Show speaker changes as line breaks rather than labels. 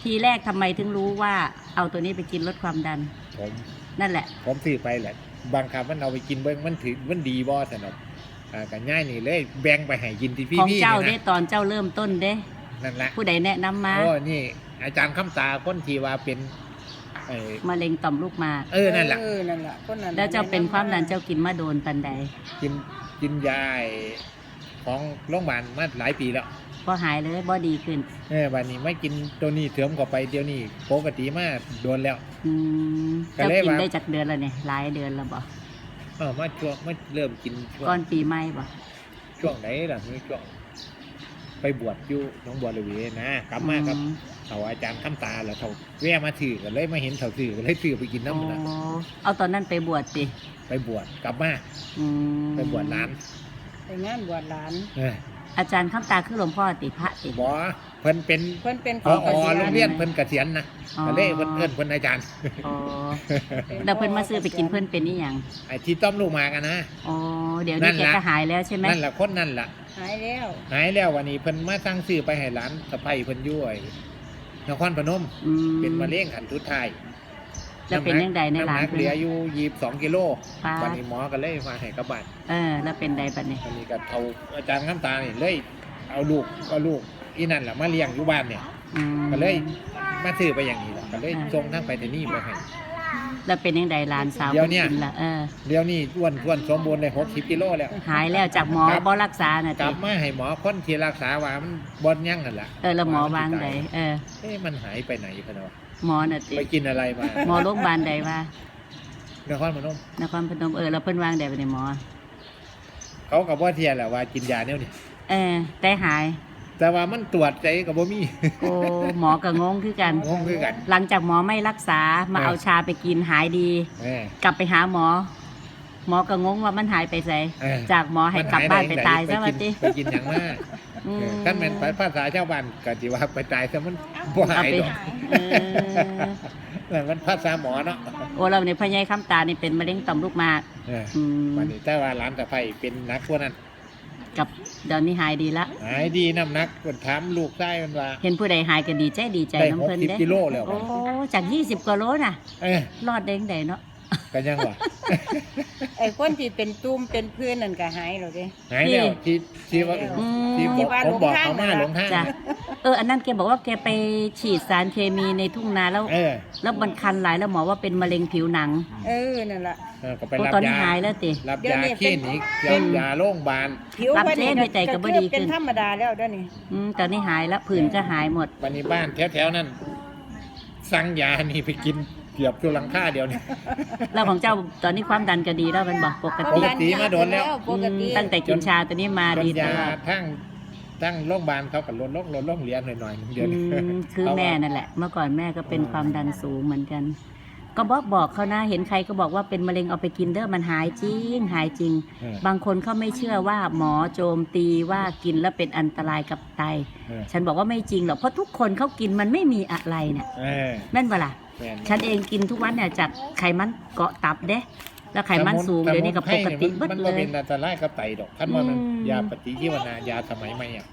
ทีแรกทำไมถึงรู้ว่าเอาตัวนี้ไปกินลดความดัน
ผม
นั่นแหละ
ผมซื้อไปแหละบางคำมันเอาไปกินเบิ้งมันถือมันดีบ่สนอกกันง่ายนี่เลยแบ่งไปให้กินที่พี่
ของ
พี่
เจ้า
นะ
ได้ตอนเจ้าเริ่มต้นเด้
นั่นแหละ
ผู้ใดแนะนำมา
โอ้นี่ อาจารย์คำตาคนที่ว่าเป็น
มะเร็งต่อมลูกหมาก
นั่นแหละ
นั่นแหละคนนั้น
แล้วเจ้าเป็นความดันเจ้ากินมาโดนปันใด
กินยาของโรงพยาบาลมาหลายปีแล้ว
บ่หายเลยบ่ดีขึ้น
วันนี้ไม่กินตัวนี้เถิมเข้าไปเดี๋ยวนี้ปกติมาโดนแล้ว
เจ้ากินได้จากเดือนแล้วเนี่ยหลายเดือนแล้วบ่
มาช่วงมาเริ่มกิน
ก่อนปีใหม่บ่
ช่วงไหนล่ะนี่ช่วงไปบวชอยู่น้องบัวระเวนะกลับมาครับเขาอาจารย์คำตาแล้วเขาแวะมาถือกันเลยมาเห็นเขาถือกันเลยถือไปกินน้ำมัน
เอาตอนนั้นไปบวชสิ
ไปบวชกลับมาไปบวชหลาน
ไปงานบวชหลาน
อาจารย์คำตาคือหลวงพ่อติพระติ
บ่เพิ่นเป็นผอโรงเรียนเพิ่นเกษียณนะก็เลยเพิ่นอาจารย์
แล้วเพิ่นมาซื้อไปกินเพิ่นเป็นนี่ยัง
ไอ้ที่ต้มลูกหมากกันนะ
เดี๋ยวนี้แกก็หายแล้วใช่ไหม
นั่นแหละคนนั่นแหละ
หาย
แล้ววันนี้เพิ่นมาสั่งซื้อไปให้หลานสะใภ้เพิ่นอยู่ไอ้นครพนมเป็นมะเร็งขั้นสุดท้าย
แล้วเป็นยังไงในหลาน
เหลืออยู่22 กิโลวันนี้หมอก็เลยมาให้กลับบ้าน
แล้วเป็นใดบัดนี้
วันนี้ก็เท่าอาจารย์น้ำตานี่เลยเอาลูกอีนั่นแหละมาเลี้ยงอยู่บ้านเนี่ยก็เลยมาซื้อไปอย่างนี้แหละก็เลยส่งทั้งไปที่นี่ไปให้
แล้วเป็นยังไงหลานสาว
เดี๋ยวนี้เดี๋ยวนี้อ้วนสมบูรณ์เลย60 กิโลแล้ว
หายแล้วจากหมอบ่รักษาน่ะ
กลับมาให้หมอคนที่รักษาว่ามันบ่ยั่งนั่นแหละ
แล้วหมอวางใด
มันหายไปไหนพะเนาะ
หมอน่ะ
ไปกินอะไรมา
หมอโรงพยาบาลใดว่
นครพนม
แล้วเพิ่นวางใดไปในหมอ
เขากับว่าเทียแหละว่ากินยาเนี่ยนี่
แต่หาย
แต่ว่ามันตรวจใจกับบ่มี
หมอก็งงคือกันหลังจากหมอไม่รักษามาเอาชาไปกินหายดีกลับไปหาหมอก็งงว่ามันหายไปไสจากหมอให้กลับบ้านไปตายซะว่าติ
ไปกินอย่างมากท่านเป็นภาษาชาวบ้านก็สิว่าไปตายซะมันบ่หายดอกมันภาษาหมอเนาะ
เราในพญายคำตานี่เป็นมะเร็งต่อมลูกหมาก
วันนี้แต่ว่าหลานสะใภ้เป็นนักกว่านั้น
กับเดี๋ยวนี้หายดีละ
หายดีน้ำหนักคนถามลูกได้มันว่า
เห็นผู้ใดหายก็ดีใจน้ำเพลิน
ได้60 กิโลแล้ว
จาก20 กว่าโลน่ะรอดได้เนาะ
กันยังวะ
ไอ้คนที่เป็นตุ้มเป็นพื้นนั่นก็หายแล้วเด้
หายแล้วที่ว่าผมบอกเขามาหลงทาง
อันนั้นแกบอกว่าแกไปฉีดสารเคมีในทุ่งนาแล้วมันคันหลายแล้วหมอว่าเป็นมะเร็งผิวหนัง
นั่นแหละ
ก็ไปรับยา
หายแล้วติ
รับยาคลินิกยาโรงพยาบาล
รับเล่นใจก็บ่ดีขึ้น
เป็นธรรมดาแล้วเดี๋ยวนี้
ตอนนี้หายแล้วผื่นก็หายหมด
วันนี้บ้านแถวๆนั้นสั่งยานี่ไปกินเกือบทุกหลังคาเดียวนี่
แล้วของเจ้าตอนนี้ความดันก็ดีแล้วเป็นบอกปก
ติมาโดนแล้ว
ตั้งแต่กินชาตัวนี้มาดีตลอด
ทั้งโรงพยาบาลเขากับลดโรงเรียนหน่อยๆเดียว
คือแม่นั่นแหละเมื่อก่อนแม่ก็เป็นความดันสูงเหมือนกันก็บอกเขานะเห็นใครก็บอกว่าเป็นมะเร็งเอาไปกินเด้อมันหายจริงบางคนเขาไม่เชื่อว่าหมอโจมตีว่ากินแล้วเป็นอันตรายกับไตฉันบอกว่าไม่จริงหรอกเพราะทุกคนเขากินมันไม่มีอะไรเนี่ยแม่นเปล่าฉันเองกินทุกวันเนี่ยจากไขมันเกาะตับเด้แล้วไขมันสูงเดี๋ยวนี้กับปกติ
มันเป็นอันตรายกับไตดอกท่านว่ามันยาปฏิชีวนายาสมัยใหม่